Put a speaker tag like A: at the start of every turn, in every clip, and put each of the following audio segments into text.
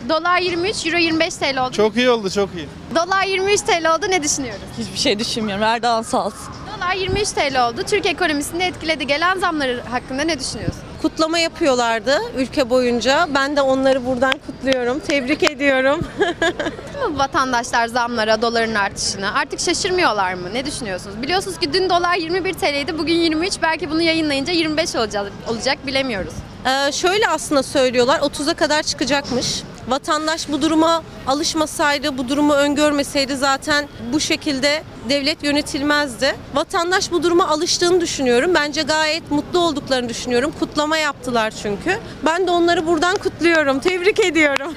A: Dolar 23, Euro 25 TL oldu.
B: Çok iyi oldu, çok iyi.
A: Dolar 23 TL oldu, ne düşünüyoruz?
C: Hiçbir şey düşünmüyorum. Erdoğan sağ olsun.
A: Dolar 23 TL oldu. Türk ekonomisini etkiledi. Gelen zamları hakkında ne düşünüyorsun?
D: Kutlama yapıyorlardı ülke boyunca. Ben de onları buradan kutluyorum. Tebrik ediyorum.
A: Değil mi vatandaşlar zamlara, doların artışına? Artık şaşırmıyorlar mı? Ne düşünüyorsunuz? Biliyorsunuz ki dün dolar 21 TL'ydi, bugün 23. Belki bunu yayınlayınca 25 olacak bilemiyoruz.
D: Şöyle aslında söylüyorlar, 30'a kadar çıkacakmış. Vatandaş bu duruma alışmasaydı, bu durumu öngörmeseydi zaten bu şekilde devlet yönetilmezdi. Vatandaş bu duruma alıştığını düşünüyorum. Bence gayet mutlu olduklarını düşünüyorum. Kutlama yaptılar çünkü. Ben de onları buradan kutluyorum. Tebrik ediyorum.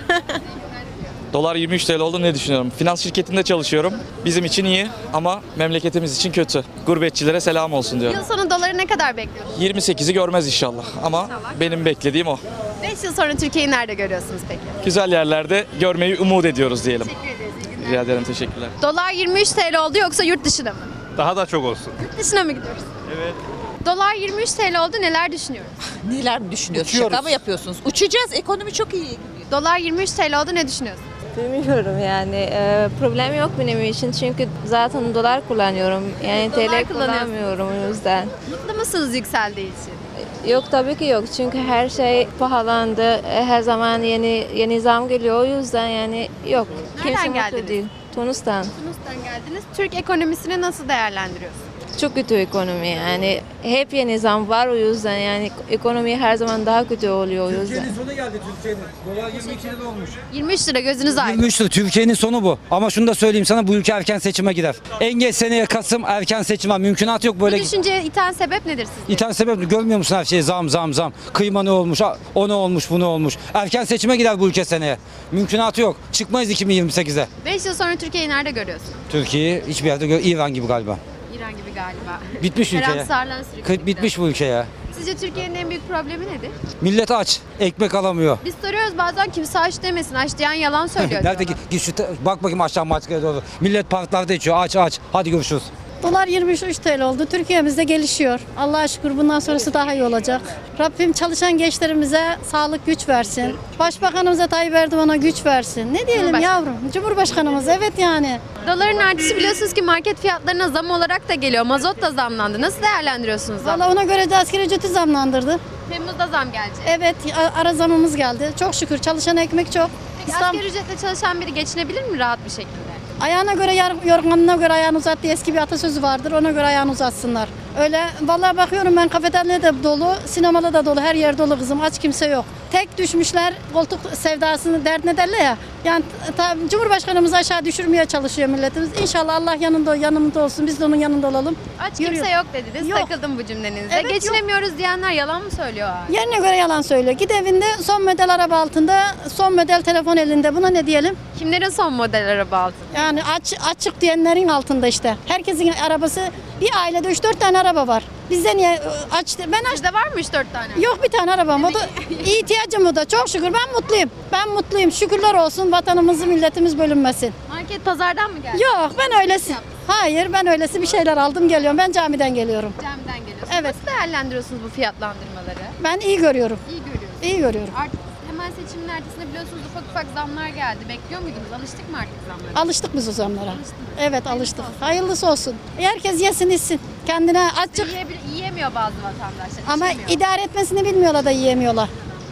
E: Dolar 23 TL oldu, ne düşünüyorum? Finans şirketinde çalışıyorum. Bizim için iyi ama memleketimiz için kötü. Gurbetçilere selam olsun diyorum.
A: Yıl sonu doları ne kadar bekliyorsunuz?
E: 28'i görmez inşallah ama benim beklediğim o.
A: 5 yıl sonra Türkiye'yi nerede görüyorsunuz peki?
E: Güzel yerlerde görmeyi umut ediyoruz diyelim.
A: Teşekkür ederiz. İyi günler.
E: Rica ederim, teşekkürler.
A: Dolar 23 TL oldu, yoksa yurt dışına mı?
B: Daha da çok olsun.
A: Yurt dışına mı gidiyoruz?
B: Evet.
A: Dolar 23 TL oldu, neler düşünüyoruz?
C: Neler mi düşünüyorsunuz?
B: Uçuyoruz.
C: Şaka mı yapıyorsunuz? Uçacağız. Ekonomi çok iyi gidiyor.
A: Dolar 23 TL oldu, ne düşünüyorsun?
F: Bilmiyorum yani problem yok benim için çünkü zaten dolar kullanıyorum yani
A: Dolar
F: TL
A: kullanıyorsun.
F: kullanmıyorum o yüzden.
A: Mutlu musunuz yükseldiği için?
F: Yok tabii ki yok çünkü her şey pahalandı, her zaman yeni zam geliyor o yüzden yani yok.
A: Nereden
F: Kimse mutlu
A: geldiniz?
F: değil. Tunus'tan.
A: Tunus'tan geldiniz. Türk ekonomisini nasıl değerlendiriyorsunuz?
F: Çok kötü ekonomi yani hep yeni zam var o yüzden yani ekonomi her zaman daha kötü oluyor o yüzden.
G: Türkiye'nin sonu geldi Türkiye'nin. Dolar 22 lira olmuş.
A: 23 lira, gözünüz aydın.
G: 23 lira Türkiye'nin sonu bu. Ama şunu da söyleyeyim sana, bu ülke erken seçime gider. En geç seneye Kasım erken seçim var. Mümkünat yok
A: Bu
G: böyle.
A: düşünceye iten sebep nedir sizce?
G: İthal sebep görmüyor musun her şeyi zam. Kıyma ne olmuş, o ne olmuş, bu ne olmuş. Erken seçime gider bu ülke seneye. Mümkünatı yok. Çıkmayız 2028'e.
A: 5 yıl sonra Türkiye'yi nerede görüyorsun?
G: Türkiye'yi hiçbir yerde İran gibi galiba.
A: İran gibi galiba.
G: Bitmiş ülke ya.
A: Karamsarlan sürekli.
G: Bitmiş bu ülke ya.
A: Sizce Türkiye'nin en büyük problemi nedir?
G: Millet aç, ekmek alamıyor.
A: Biz soruyoruz, bazen kimse aç demesin. Aç diyen yalan söylüyor.
G: Nerede
A: diyorlar.
G: git şu bak bakayım aşağı maçkaya doğru. Millet parklarda içiyor. Aç. Hadi görüşürüz.
H: Dolar 23 TL oldu. Türkiye'mizde gelişiyor. Allah'a şükür bundan sonrası daha iyi olacak. Rabbim çalışan gençlerimize sağlık güç versin. Başbakanımıza Tayyip Erdoğan'a güç versin. Ne diyelim
A: Cumhurbaşkanı.
H: yavrum? Cumhurbaşkanımız evet yani.
A: Doların artışı biliyorsunuz ki market fiyatlarına zam olarak da geliyor. Mazot da zamlandı. Nasıl değerlendiriyorsunuz zam?
H: Valla ona göre de asgari ücreti zamlandırdı.
A: Temmuz'da zam gelecek.
H: Evet ara zamımız geldi. Çok şükür çalışan ekmek çok.
A: Peki asgari ücretle çalışan biri geçinebilir mi rahat bir şekilde?
H: Ayağına göre yorganına göre ayağını uzat diye eski bir atasözü vardır. Ona göre ayağını uzatsınlar. Öyle vallahi bakıyorum ben, kafeteryada da dolu, sinemada da dolu, her yer dolu kızım. Aç kimse yok. Tek düşmüşler koltuk sevdasını derdine derler ya. Yani Cumhurbaşkanımız aşağı düşürmeye çalışıyor milletimiz. İnşallah Allah yanımda olsun. Biz de onun yanında olalım.
A: Aç
H: Yürüyor.
A: kimse yok dediniz.
H: Yok.
A: Takıldım bu cümlenizde.
H: Evet,
A: Geçinemiyoruz diyenler yalan mı söylüyor?
H: Yerine göre yalan söylüyor. Git evinde son model araba altında, son model telefon elinde. Buna ne diyelim?
A: Kimlerin son model araba altı?
H: Yani açık diyenlerin altında işte. Herkesin arabası, bir ailede 3-4 tane araba var. Bizde niye açtı? Ben açtım.
A: Sizde var mı 3-4 tane?
H: Yok bir tane arabam. O da ihtiyacım o da. Çok şükür ben mutluyum. Ben mutluyum. Şükürler olsun, vatanımızı milletimiz bölünmesin.
A: Market pazardan mı geldi?
H: Yok ben öylesi. Hayır ben öylesi bir şeyler aldım geliyorum. Ben camiden geliyorum.
A: Camiden geliyorsunuz.
H: Evet.
A: Nasıl değerlendiriyorsunuz bu fiyatlandırmaları?
H: Ben iyi görüyorum.
A: İyi görüyorsunuz.
H: İyi görüyorum.
A: Artık hemen seçimin ertesinde biliyorsunuz ufak zamlar geldi. Bekliyor muydunuz? Alıştık mı artık zamlara?
H: Alıştık biz o zamlara. Evet alıştık. Hayırlısı olsun. Herkes yesin içsin. Kendine açık.
A: Yiyemiyor bazı vatandaşlar.
H: Ama
A: içemiyor.
H: idare etmesini bilmiyorlar da yiyemiyorlar.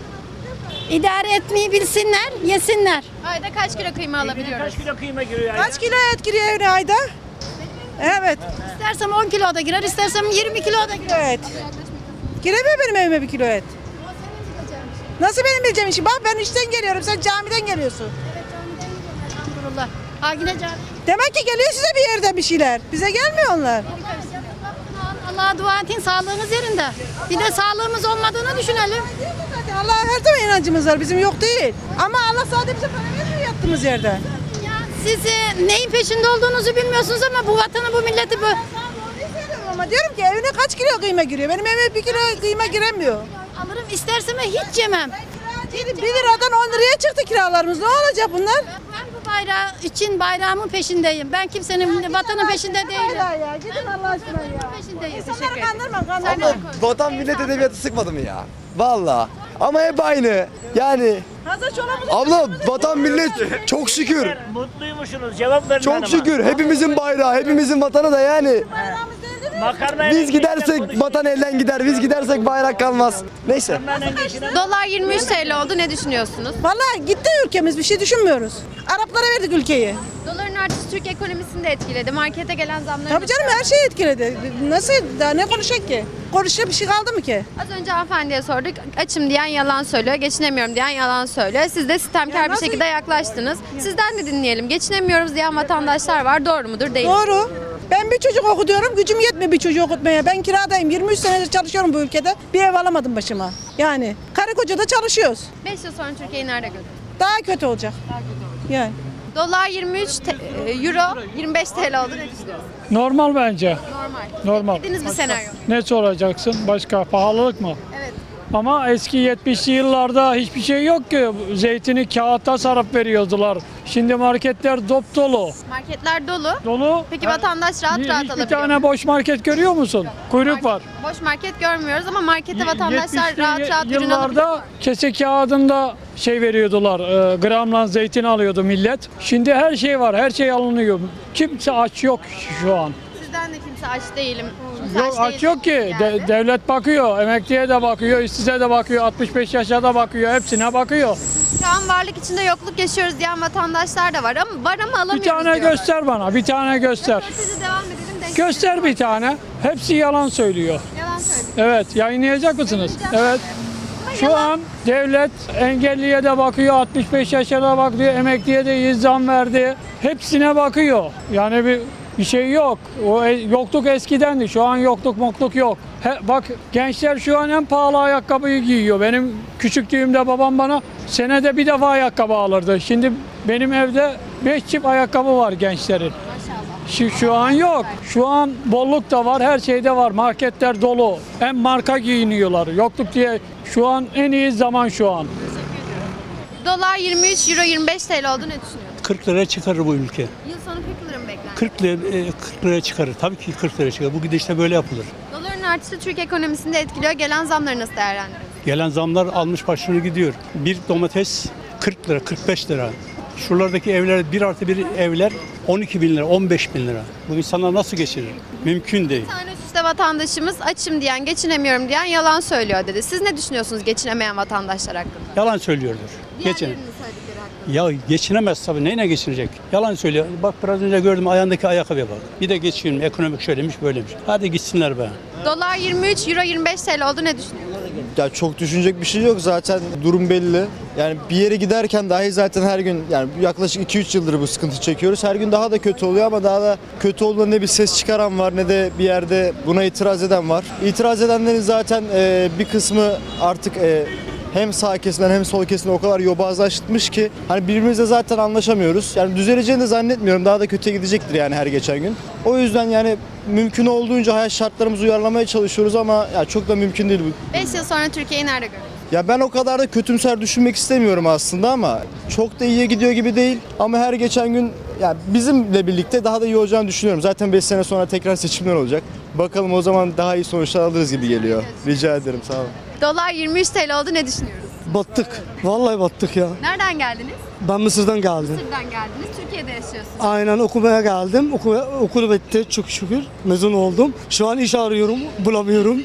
H: İdare etmeyi bilsinler, yesinler.
A: Ayda kaç kilo kıyma alabiliyoruz?
I: Kaç kilo kıyma giriyor
D: Kaç kilo et giriyor evine ayda? Evet.
H: İstersem 10 kilo da girer, istersem 20 kilo da girer.
D: Evet. Giremiyor benim evime bir kilo et. Nasıl benim bileceğim işi? Bak ben işten geliyorum, sen camiden geliyorsun.
H: Elhamdülillah. Ha yine can.
D: Demek ki geliyor size bir yerden bir şeyler. Bize gelmiyor onlar.
H: Allah'a dua edin, sağlığınız yerinde. Bir de sağlığımız olmadığını düşünelim.
D: Allah'a her zaman inancımız var, bizim yok değil. Ama Allah sadece bize para vermiyor yattığımız yerden.
H: Ya siz neyin peşinde olduğunuzu bilmiyorsunuz ama bu vatanı, bu milleti bu.
D: Ama diyorum ki evine kaç kilo kıyma giriyor? Benim evime bir kilo kıyma giremiyor.
H: Alırım istersem hiç yemem.
D: 1 liradan 10 liraya çıktı kiralarımız. Ne olacak bunlar?
H: Ben bu bayrağı için bayrağımın peşindeyim. Ben kimsenin vatanın peşinde değilim.
D: Ya gidin Allah aşkına ya.
H: Peşindeyim.
D: İnsanları kandırma.
J: Vatan millet edebiyatı sıkmadı mı ya? Vallahi.
B: Ama hep aynı. Yani abla vatan millet çok şükür.
I: Mutluymuşsunuz. Cevap verin
B: Çok şükür. Hepimizin bayrağı, hepimizin vatanı da yani. Biz gidersek vatan elden gider. Biz gidersek bayrak kalmaz. Neyse.
A: Dolar 23 TL oldu. Ne düşünüyorsunuz?
J: Vallahi gitti ülkemiz, bir şey düşünmüyoruz. Araplara verdik ülkeyi.
A: Doların artışı Türk ekonomisini de etkiledi. Markete gelen zamları
J: Tabii canım, her şeyi etkiledi. Nasıl, daha ne konuşacak ki? Konuşacak bir şey kaldı mı ki?
A: Az önce hanımefendiye sorduk. Açım diyen yalan söylüyor. Geçinemiyorum diyen yalan söylüyor. Siz de sistemkar bir
J: nasıl-
A: şekilde yaklaştınız. Sizden de dinleyelim. Geçinemiyoruz diyen vatandaşlar var. Doğru mudur? Değil.
J: Doğru. Ben bir çocuk okutuyorum, gücüm yetmiyor bir çocuğu okutmaya. Ben kiradayım, 23 senedir çalışıyorum bu ülkede. Bir ev alamadım başıma. Yani karı koca da çalışıyoruz.
A: 5 yıl sonra Türkiye'yi nerede görüyoruz?
J: Daha kötü olacak. Yani.
A: Dolar 23, euro 25 TL oldu. Ne düşünüyorsunuz?
I: Normal bence.
A: Normal. Beklediğiniz bir senaryo.
I: Ne soracaksın? Başka pahalılık mı?
A: Evet.
I: Ama eski 70'li yıllarda hiçbir şey yok ki. Zeytini kağıtta sarıp veriyordular. Şimdi marketler dop dolu.
A: Marketler dolu.
I: Dolu.
A: Peki vatandaş rahat rahat
I: Hiçbir
A: alabiliyor.
I: tane boş market görüyor musun? Kuyruk var.
A: Boş market görmüyoruz ama markete vatandaşlar
I: 70'li
A: rahat rahat ürün alabiliyor.
I: yıllarda kese kağıdında şey veriyordular, gramla zeytin alıyordu millet. Şimdi her şey var, her şey alınıyor. Kimse aç yok şu an.
A: Sizden de kimse aç değilim. Kimse
I: Yok aç
A: değil
I: yok ki.
A: geldi.
I: Devlet bakıyor, emekliye de bakıyor, işsize de bakıyor, 65 yaşa da bakıyor, hepsine bakıyor.
A: Şu an varlık içinde yokluk yaşıyoruz diyen vatandaşlar da var ama alamıyoruz
I: Bir tane
A: diyorlar.
I: göster bana, bir tane göster.
A: Röportajı devam edelim. Denk
I: Göster bir tane. Hepsi yalan söylüyor.
A: Yalan söylüyor.
I: Evet, yayınlayacak mısınız?
A: Yayınlayacağım.
I: Evet.
A: Ama
I: Şu
A: yalan.
I: an devlet engelliye de bakıyor, 65 yaşa da bakıyor, emekliye de zam verdi. Hepsine bakıyor. Yani bir şey yok. Yokluk eskidendi. Şu an yokluk yok. Bak gençler şu an en pahalı ayakkabıyı giyiyor. Benim küçüklüğümde babam bana senede bir defa ayakkabı alırdı. Şimdi benim evde 5 çift ayakkabı var gençlerin. Şu an yok. Şu an bolluk da var, her şeyde var. Marketler dolu. En marka giyiniyorlar. Yokluk diye şu an en iyi zaman şu an.
A: Dolar 23, euro 25 TL oldu. Ne düşünüyorsun?
K: 40 liraya çıkarır bu ülke.
A: Yıl sonu 40 lira mı beklendi?
K: 40 liraya çıkarır. Tabii ki 40 liraya çıkarır. Bu gidişle böyle yapılır.
A: Doların artışı Türk ekonomisini de etkiliyor. Gelen zamları nasıl değerlendiriyorsunuz?
K: Gelen zamlar almış başını gidiyor. Bir domates 40 lira, 45 lira. Şuralardaki evler 1+1 evler 12 bin lira, 15 bin lira. Bu insanlar nasıl geçirir? Mümkün değil.
A: Bir tane üst üste vatandaşımız açım diyen, geçinemiyorum diyen yalan söylüyor dedi. Siz ne düşünüyorsunuz geçinemeyen vatandaşlar hakkında?
K: Yalan söylüyordur. Geçin.
A: Diğerlerinin söyledikleri hakkında.
K: Ya geçinemez tabii. Neyle geçinecek? Yalan söylüyor. Bak biraz önce gördüm ayağındaki ayakkabıya bak. Bir de geçiyorum. Ekonomik şöylemiş böylemiş. Hadi gitsinler be.
A: Dolar 23, euro 25 TL oldu. Ne düşünüyorsunuz?
B: Ya çok düşünecek bir şey yok, zaten durum belli. Yani bir yere giderken dahi zaten her gün, yani yaklaşık 2-3 yıldır bu sıkıntı çekiyoruz. Her gün daha da kötü oluyor ama daha da kötü olduğunda ne bir ses çıkaran var ne de bir yerde buna itiraz eden var. İtiraz edenlerin zaten bir kısmı artık hem sağ kesimden hem sol kesimden o kadar yobazlaşmış ki hani birbirimizle zaten anlaşamıyoruz. Yani düzeleceğini de zannetmiyorum. Daha da kötüye gidecektir yani her geçen gün. O yüzden yani mümkün olduğunca hayat şartlarımızı uyarlamaya çalışıyoruz ama ya çok da mümkün değil bu.
A: 5 yıl sonra Türkiye'yi nerede görüyorsunuz?
B: Ya ben o kadar da kötümser düşünmek istemiyorum aslında ama çok da iyiye gidiyor gibi değil. Ama her geçen gün ya bizimle birlikte daha da iyi olacağını düşünüyorum. Zaten 5 sene sonra tekrar seçimler olacak. Bakalım o zaman daha iyi sonuçlar alırız gibi geliyor. Rica ederim, sağ olun.
A: Dolar 23 TL oldu. Ne düşünüyoruz?
B: Battık. Vallahi battık ya.
A: Nereden geldiniz?
B: Ben Mısır'dan geldim.
A: Mısır'dan geldiniz. Türkiye'de yaşıyorsunuz.
B: Aynen, okumaya geldim. Okul bitti çok şükür. Mezun oldum. Şu an iş arıyorum. Bulamıyorum.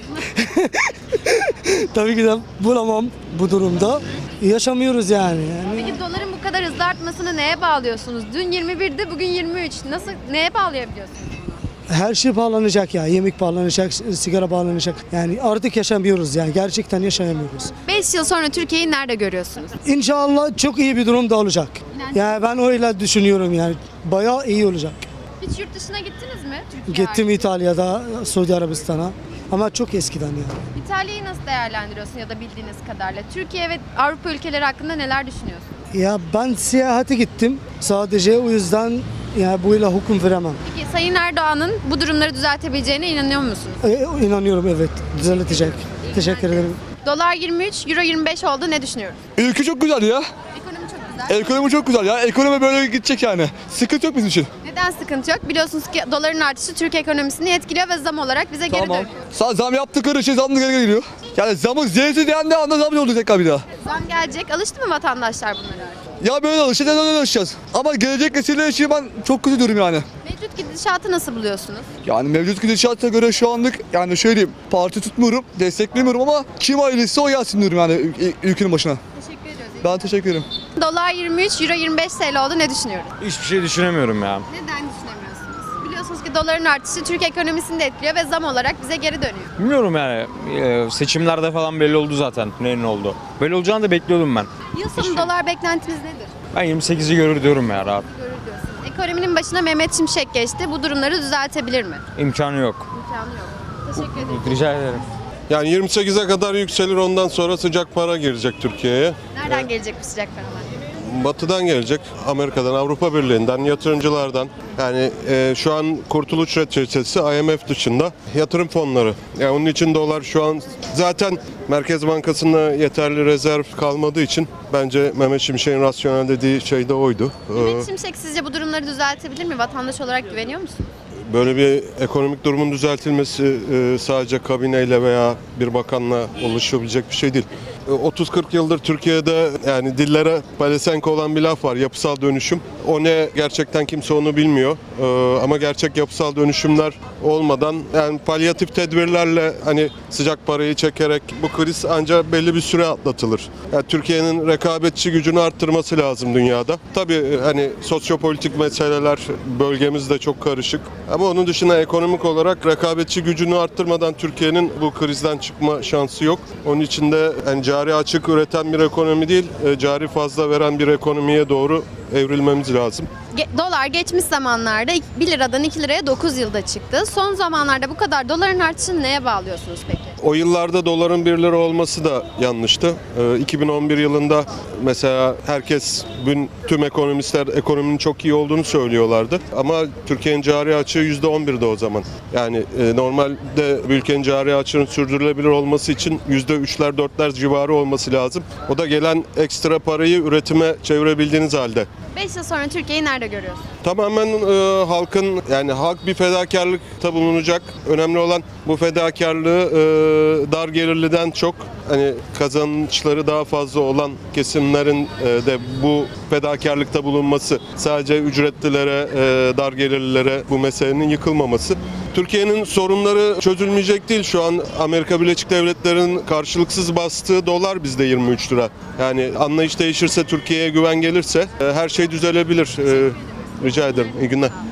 B: Tabii ki de bulamam bu durumda. Yaşamıyoruz yani.
A: Peki doların bu kadar hızlı artmasını neye bağlıyorsunuz? Dün 21'di, bugün 23. Nasıl, neye bağlayabiliyorsunuz?
B: Her şey pahalanacak ya. Yemek pahalanacak, sigara pahalanacak. Yani artık yaşamıyoruz yani. Gerçekten yaşayamıyoruz.
A: 5 yıl sonra Türkiye'yi nerede görüyorsunuz?
B: İnşallah çok iyi bir durumda olacak. Yani ben öyle düşünüyorum yani. Bayağı iyi olacak.
A: Hiç yurt dışına gittiniz mi? Türkiye
B: Gittim
A: hariç.
B: İtalya'da, Suudi Arabistan'a. Ama çok eskiden yani.
A: İtalya'yı nasıl değerlendiriyorsun ya da bildiğiniz kadarıyla? Türkiye ve Avrupa ülkeleri hakkında neler düşünüyorsun?
B: Ya ben seyahate gittim. Sadece o yüzden yani buyla hüküm veremem.
A: Peki Sayın Erdoğan'ın bu durumları düzeltebileceğine inanıyor musunuz?
B: İnanıyorum, evet. Düzeltecek. Teşekkür ederim.
A: Dolar 23, euro 25 oldu. Ne düşünüyoruz?
L: Ülke çok güzel ya.
A: Ekonomi çok güzel.
L: Ekonomi çok güzel ya. Ekonomi böyle gidecek yani. Sıkıntı yok bizim için.
A: Neden sıkıntı yok? Biliyorsunuz ki doların artışı Türk ekonomisini etkiliyor ve zam olarak bize geri dönüyor.
L: Zam yaptıkları şey zam geri geliyor. Yani zamın zeytin diyen de anda zam oldu tekrar bir daha.
A: Zam gelecek. Alıştı mı vatandaşlar bunlara artık?
L: Ya böyle alışacağız, neden alışacağız? Ama gelecek nesiller için ben çok kötü durum yani.
A: Mevcut gidişatı nasıl buluyorsunuz?
L: Yani mevcut gidişata göre şu anlık yani şöyle diyeyim, parti tutmuyorum, desteklemiyorum ama kim hayırlısı o gelsin diyorum yani ülkenin başına.
A: Teşekkür ediyoruz.
L: Ben teşekkür ederim.
A: Dolar 23, euro 25 TL oldu. Ne düşünüyoruz?
M: Hiçbir şey düşünemiyorum ya.
A: Neden düşünemiyorsunuz? Biliyorsunuz ki doların artışı Türk ekonomisini de etkiliyor ve zam olarak bize geri dönüyor.
M: Bilmiyorum yani. Seçimlerde falan belli oldu zaten neyin oldu. Böyle olacağını da bekliyordum ben.
A: Yıl sonu dolar beklentiniz nedir?
M: Ben 28'i görür diyorum ya rahat.
A: Görür diyorsunuz. Ekonominin başına Mehmet Şimşek geçti. Bu durumları düzeltebilir mi?
M: İmkanı yok.
A: İmkanı yok. Teşekkür ederim.
M: Rica ederim.
N: Yani 28'e kadar yükselir, ondan sonra sıcak para girecek Türkiye'ye.
A: Nereden gelecek bu sıcak paralar?
N: Batı'dan gelecek, Amerika'dan, Avrupa Birliği'nden, yatırımcılardan. Yani şu an kurtuluş reçetesi IMF dışında yatırım fonları. Yani onun için dolar şu an zaten Merkez Bankası'nda yeterli rezerv kalmadığı için bence Mehmet Şimşek'in rasyonel dediği şey de oydu.
A: Mehmet Şimşek sizce bu durumları düzeltebilir mi? Vatandaş olarak güveniyor musunuz?
N: Böyle bir ekonomik durumun düzeltilmesi sadece kabineyle veya bir bakanla ulaşabilecek bir şey değil. 30-40 yıldır Türkiye'de yani dillere pelesenk olan bir laf var, yapısal dönüşüm. O ne gerçekten kimse onu bilmiyor. Ama gerçek yapısal dönüşümler olmadan yani palyatif tedbirlerle hani sıcak parayı çekerek bu kriz ancak belli bir süre atlatılır. Yani Türkiye'nin rekabetçi gücünü arttırması lazım dünyada. Tabii hani sosyopolitik meseleler bölgemizde çok karışık. Ama onun dışında ekonomik olarak rekabetçi gücünü arttırmadan Türkiye'nin bu krizden çıkma şansı yok. Onun için de yani cari açık üreten bir ekonomi değil, cari fazla veren bir ekonomiye doğru evrilmemiz lazım.
A: Dolar geçmiş zamanlarda 1 liradan 2 liraya 9 yılda çıktı. Son zamanlarda bu kadar doların artışını neye bağlıyorsunuz peki?
N: O yıllarda doların 1 lira olması da yanlıştı. 2011 yılında mesela herkes, tüm ekonomistler ekonominin çok iyi olduğunu söylüyorlardı. Ama Türkiye'nin cari açığı %11'di o zaman. Yani normalde ülkenin cari açığının sürdürülebilir olması için %3'ler 4'ler civarı olması lazım. O da gelen ekstra parayı üretime çevirebildiğiniz halde.
A: 5 yıl sonra Türkiye'yi nerede görüyorsunuz?
N: Tamamen halkın, yani halk bir fedakarlıkta bulunacak. Önemli olan bu fedakarlığı dar gelirliden çok hani kazançları daha fazla olan kesimlerin de bu fedakarlıkta bulunması. Sadece ücretlilere, dar gelirlilere bu meselenin yıkılmaması. Türkiye'nin sorunları çözülmeyecek değil. Şu an Amerika Birleşik Devletleri'nin karşılıksız bastığı dolar bizde 23 lira. Yani anlayış değişirse, Türkiye'ye güven gelirse her şey düzelebilir. Rica ederim. İyi günler.